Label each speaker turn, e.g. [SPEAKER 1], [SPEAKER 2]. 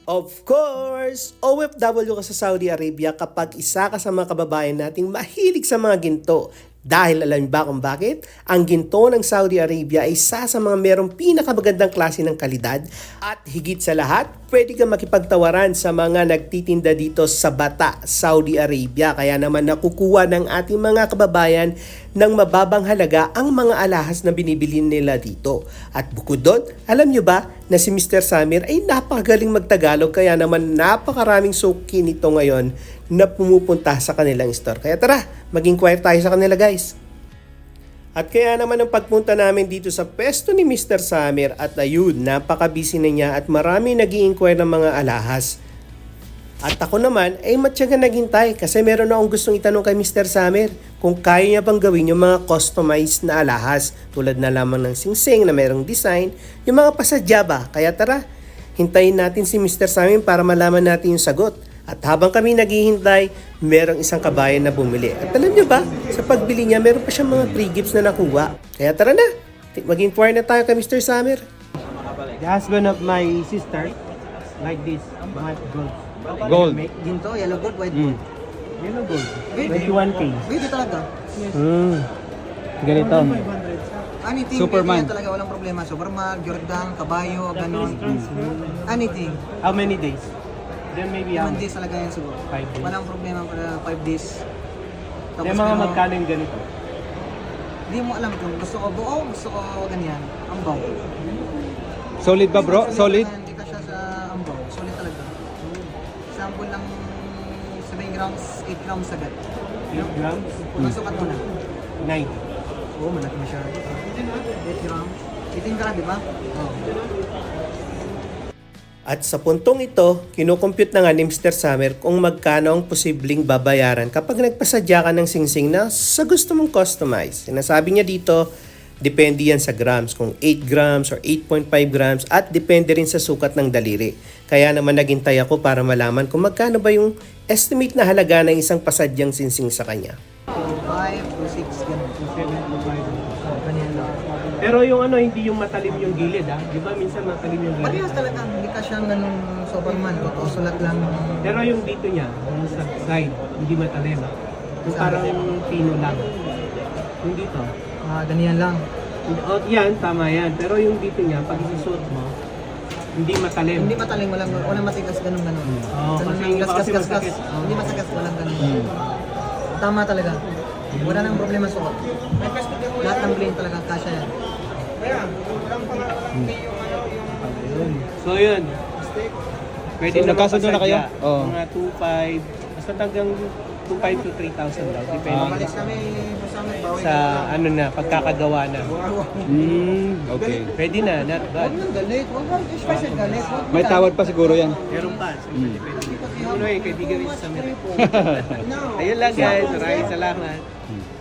[SPEAKER 1] Of course, OFW ka sa Saudi Arabia kapag isa ka sa mga kababayan nating mahilig sa mga ginto. Dahil alam niyo ba kung bakit? Ang ginto ng Saudi Arabia ay isa sa mga merong pinakamagandang klase ng kalidad at higit sa lahat, pwede kang makipagtawaran sa mga nagtitinda dito sa Bata, Saudi Arabia. Kaya naman nakukuha ng ating mga kababayan ng mababang halaga ang mga alahas na binibili nila dito. At bukod doon, alam niyo ba na si Mr. Samir ay napakagaling magtagalog kaya naman napakaraming suki nito ngayon na pumupunta sa kanilang store. Kaya tara, mag-inquire tayo sa kanila guys. At kaya naman ang pagpunta namin dito sa pwesto ni Mr. Samir at ayun, napaka-busy na niya at marami nag-i-inquire ng mga alahas. At ako naman ay matyaga naghintay kasi meron akong gustong itanong kay Mr. Samir kung kaya niya bang gawin yung mga customized na alahas tulad na lamang ng singsing na merong design, yung mga pasadya ba. Kaya tara, hintayin natin si Mr. Samir para malaman natin yung sagot. At habang kami naghihintay, merong isang kabayan na bumili. At alam niyo ba, sa pagbili niya, meron pa siyang mga free gifts na nakuha. Kaya tara na, mag-inquire na tayo kay Mr. Samir. The husband of my sister, like this, white gold.
[SPEAKER 2] Gold.
[SPEAKER 3] Ginto, yellow gold, white gold.
[SPEAKER 1] Yellow gold.
[SPEAKER 3] Baby.
[SPEAKER 1] 21K.
[SPEAKER 3] Baby talaga.
[SPEAKER 1] Ganito.
[SPEAKER 3] Anything,
[SPEAKER 2] Superman.
[SPEAKER 3] baby yan talaga, walang problema. Superman, Jordan, kabayo, ganon. Anything.
[SPEAKER 1] How many days? Then maybe
[SPEAKER 3] 1 days talaga yan siguro.
[SPEAKER 1] 5 days.
[SPEAKER 3] Walang problema para 5 days.
[SPEAKER 1] Yung mga magkano yung ganito?
[SPEAKER 3] Hindi mo alam kung gusto ko buo, gusto ko ganyan. Ambaw.
[SPEAKER 2] Solid ba bro? Solid?
[SPEAKER 3] Hindi ka siya sa ambaw. Solid talaga. Sample lang 7 grams, 8 grams agad.
[SPEAKER 1] 8 grams?
[SPEAKER 3] Masukat mo na.
[SPEAKER 1] 9.
[SPEAKER 3] Oo, malaki masyado. 8 grams. 18 grams, di ba? Oo.
[SPEAKER 1] At sa puntong ito, kinukompute na nga ni Mr. Samir kung magkano ang posibleng babayaran kapag nagpasadya ka ng singsing na sa gusto mong customize. Sinasabi niya dito, depende yan sa grams, kung 8 grams or 8.5 grams at depende rin sa sukat ng daliri. Kaya naman naghintay ako para malaman kung magkano ba yung estimate na halaga ng isang pasadyang singsing sa kanya.
[SPEAKER 3] 5 to 6, ganun. Ganyan lang.
[SPEAKER 1] Pero yung ano, hindi yung matalim yung gilid Di ba minsan matalim yung
[SPEAKER 3] Parehas talaga, hindi ka siyang ganun Superman, sulat lang.
[SPEAKER 1] Pero yung dito niya, yung sa side, hindi matalim. Yung parang pino lang. Yung dito.
[SPEAKER 3] Ganyan lang.
[SPEAKER 1] Oh, yan, tama yan. Pero yung dito niya, pag isusuot mo, hindi matalim.
[SPEAKER 3] Hindi mataling, walang matigas ganun.
[SPEAKER 1] Oo,
[SPEAKER 3] Ganun
[SPEAKER 1] kasi
[SPEAKER 3] lang,
[SPEAKER 1] yung iba kasi
[SPEAKER 3] gas.
[SPEAKER 1] masakit. Oo.
[SPEAKER 3] Hindi masagas, walang ganun. Tama talaga. Wala nang problema suot. Lahat ng blade talaga, kasya yan.
[SPEAKER 1] So yun. Pwede
[SPEAKER 2] So,
[SPEAKER 1] na
[SPEAKER 2] nagkasundo na kayo?
[SPEAKER 1] mapasadya.
[SPEAKER 2] Oo.
[SPEAKER 1] Mga 2.5, basta tagang 2.5 to 3,000 daw. Depende
[SPEAKER 3] Malis kami sa amin, bawi.
[SPEAKER 1] sa ano na, pagkakagawa na.
[SPEAKER 2] Okay.
[SPEAKER 1] Pwede na, not bad.
[SPEAKER 3] Huwag nang galit, huwag nang special galit. Huwag
[SPEAKER 2] May tawad pa siguro yan.
[SPEAKER 1] Meron pa. So, depende. Ano eh, kaibigan rin sa Samir. Ayun lang guys, maraming salamat.